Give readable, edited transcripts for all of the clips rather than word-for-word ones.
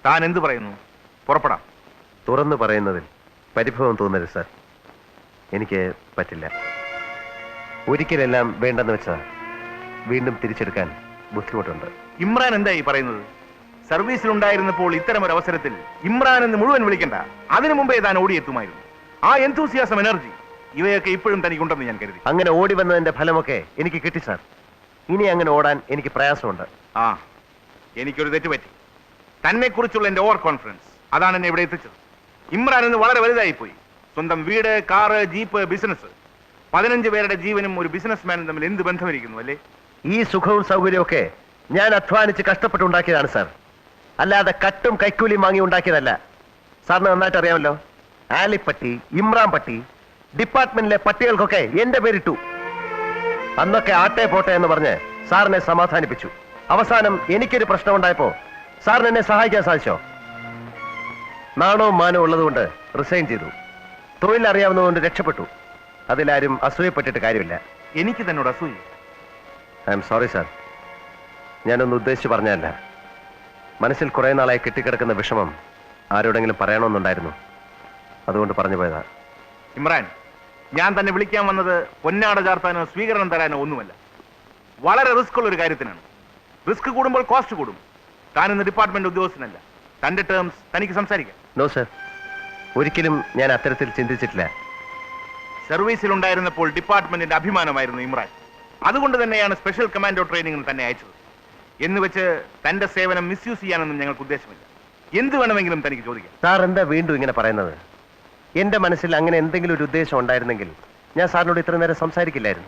താൻ എന്ത് പറയുന്നു? പുറപ്പെടാം. തുറന്നു പറയുന്നതിൽ പരിഭവം തോന്നരുത് സാർ. എനിക്ക് പറ്റില്ല. ഒരിക്കലെല്ലാം വേണ്ടെന്ന് വെച്ചാൽ വീണ്ടും തിരിച്ചെടുക്കാൻ ബുദ്ധിമുട്ടുണ്ട്. ഇമ്രാൻ എന്തായി പറയുന്നത്? സർവീസിലുണ്ടായിരുന്നപ്പോൾ ഇത്തരം ഒരു അവസരത്തിൽ ഇമ്രാൻ എന്ന് മുഴുവൻ വിളിക്കണ്ട, അതിനു മുമ്പേ താൻ ഓടിയെത്തുമായിരുന്നു. ആ എന്തൂസിയാസം, എനർജി ഇവയൊക്കെ ഇപ്പോഴും തനിക്കുണ്ടെന്ന് ഞാൻ കരുതി. അങ്ങനെ ഓടി വന്നതിന്റെ ഫലമൊക്കെ എനിക്ക് കിട്ടി സാർ. ഇനി അങ്ങനെ ഓടാൻ എനിക്ക് പ്രയാസമുണ്ട്. ആ, എനിക്കൊരു തെറ്റ് പറ്റി. തന്നെ കുറിച്ചുള്ള എന്റെ ഓവർ കോൺഫിഡൻസ് അതാണ് എന്നെ ഇവിടെ എത്തിച്ചത്. ഇമ്രാൻ എന്ന് വളരെ വലുതായിപ്പോയി. സ്വന്തം വീട്, കാറ്, ജീപ്പ്, ബിസിനസ്. 15 പേരുടെ ജീവനും ഒരു ബിസിനസ്മാനും തമ്മിൽ എന്ത് ബന്ധമിരിക്കുന്നു അല്ലേ? ഈ സുഖവും സൗകര്യമൊക്കെ ഞാൻ അധ്വാനിച്ച് കഷ്ടപ്പെട്ടുണ്ടാക്കിയതാണ് സാർ, അല്ലാതെ കട്ടും കൈക്കൂലിയും വാങ്ങി ഉണ്ടാക്കിയതല്ല. സാറിന് നന്നായിട്ട് അറിയാമല്ലോ. ആലിപ്പട്ടി, ഇമ്രാൻ പട്ടി, ഡിപ്പാർട്ട്മെന്റിലെ പട്ടികൾക്കൊക്കെ എന്റെ പേരിട്ടു. അന്നൊക്കെ ആട്ടെ പോട്ടെ എന്ന് പറഞ്ഞ് സാറിനെ സമാധാനിപ്പിച്ചു. അവസാനം എനിക്കൊരു പ്രശ്നം ഉണ്ടായപ്പോ സാറിന് എന്നെ സഹായിക്കാൻ സാധിച്ചോ? നാണവും മാനവും ഉള്ളതുകൊണ്ട് റിസൈൻ ചെയ്തു. തൊഴിലറിയാവുന്നതുകൊണ്ട് രക്ഷപ്പെട്ടു. അതിലാരും അസൂയപ്പെട്ടിട്ട് കാര്യമില്ല. എനിക്ക് തന്നോട് അസൂയ? I am sorry sir. ഞാനൊന്ന് ഉദ്ദേശിച്ച് പറഞ്ഞതല്ല. മനസ്സിൽ കുറെ നാളായി കെട്ടിക്കിടക്കുന്ന വിഷമം ആരോടെങ്കിലും പറയണമെന്നുണ്ടായിരുന്നു, അതുകൊണ്ട് പറഞ്ഞു പോയതാ. ഇമ്രാൻ, ഞാൻ തന്നെ വിളിക്കാൻ വന്നത് പൊന്നാട ചാർത്താനോ സ്വീകരണം തരാനോ ഒന്നുമല്ല. വളരെ റിസ്ക് ഉള്ള ഒരു കാര്യത്തിനാണ്. റിസ്ക് കൂടുമ്പോൾ കോസ്റ്റ് കൂടും. താനിന്ന് ഡിപ്പാർട്ട്മെന്റ് ഉദ്യോഗസ്ഥനല്ല. തന്റെ ടേംസ് തനിക്ക് സംസാരിക്കാം. നോ സർ, ഒരിക്കലും ഞാൻ അത്തരത്തിൽ ചിന്തിച്ചിട്ടില്ല. സർവീസിലുണ്ടായിരുന്നപ്പോൾ ഡിപ്പാർട്ട്മെന്റിന്റെ അഭിമാനമായിരുന്നു ഇമ്രാൻ. അതുകൊണ്ട് തന്നെയാണ് സ്പെഷ്യൽ കമാൻഡോ ട്രെയിനിങ്ങിന് തന്നെ അയച്ചത്. എന്ന് വെച്ച് തന്റെ സേവനം മിസ്യൂസ് ചെയ്യാനൊന്നും ഞങ്ങൾക്ക് ഉദ്ദേശമില്ല. എന്ത് വേണമെങ്കിലും തനിക്ക് ചോദിക്കാം. സാർ എന്താ വീണ്ടും ഇങ്ങനെ പറയുന്നത്? എന്റെ മനസ്സിൽ അങ്ങനെ എന്തെങ്കിലും ഒരു ഉദ്ദേശം ഉണ്ടായിരുന്നെങ്കിൽ ഞാൻ സാറിനോട് ഇത്ര നേരം സംസാരിക്കില്ലായിരുന്നു.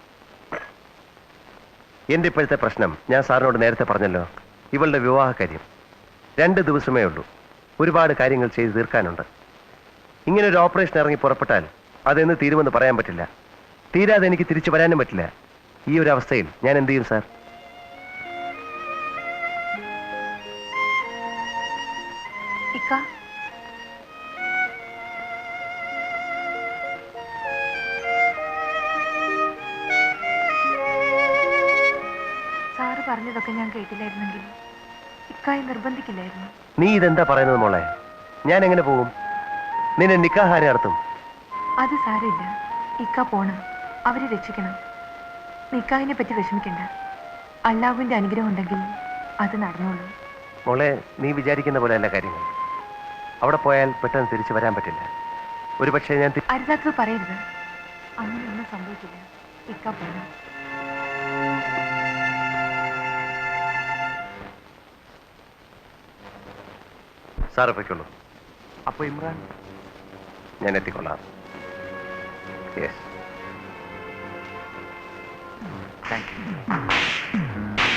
എന്റെ ഇപ്പോഴത്തെ പ്രശ്നം ഞാൻ സാറിനോട് നേരത്തെ പറഞ്ഞല്ലോ. ഇവളുടെ വിവാഹ കാര്യം. 2 ദിവസമേ ഉള്ളൂ. ഒരുപാട് കാര്യങ്ങൾ ചെയ്ത് തീർക്കാനുണ്ട്. ഇങ്ങനെ ഒരു ഓപ്പറേഷൻ ഇറങ്ങി പുറപ്പെട്ടാൽ അതെന്ന് തീരുമെന്ന് പറയാൻ പറ്റില്ല. തീരാതെ എനിക്ക് തിരിച്ചു വരാനും പറ്റില്ല. ഈ ഒരു അവസ്ഥയിൽ ഞാൻ എന്ത് ചെയ്യും സാർ? സാറ് പറഞ്ഞതൊക്കെ ഞാൻ കേട്ടില്ലായിരുന്നെങ്കിൽ ഇക്കായി നിർബന്ധിക്കില്ലായിരുന്നു. നീ ഇതെന്താ പറയുന്നത് മോളെ? ഞാൻ എങ്ങനെ പോകും? നിന്നെ നിക്കാഹാരെ നടത്തും? അത് സാരമില്ല. ഇക്ക പോണം, അവരെ രക്ഷിക്കണം. നിക്കാഹിനെ പറ്റി വിഷമിക്കണ്ട. അള്ളാഹുവിന്റെ അനുഗ്രഹം ഉണ്ടെങ്കിൽ അത് നടന്നോളൂ. മോളെ, നീ വിചാരിക്കുന്ന പോലെയല്ല കാര്യങ്ങൾ. അവിടെ പോയാൽ പെട്ടെന്ന് തിരിച്ചു വരാൻ പറ്റില്ല. ഒരുപക്ഷെ ഞാൻ അരുതാത്തത് പറയരുത്. അങ്ങനെയൊന്നും സംഭവിക്കില്ല. ഇക്ക പോണം. സാറ് പൊയ്ക്കുള്ളൂ. അപ്പൊ ഇമ്രാൻ? ഞാൻ എത്തിക്കൊള്ളാം. Yes, thank you.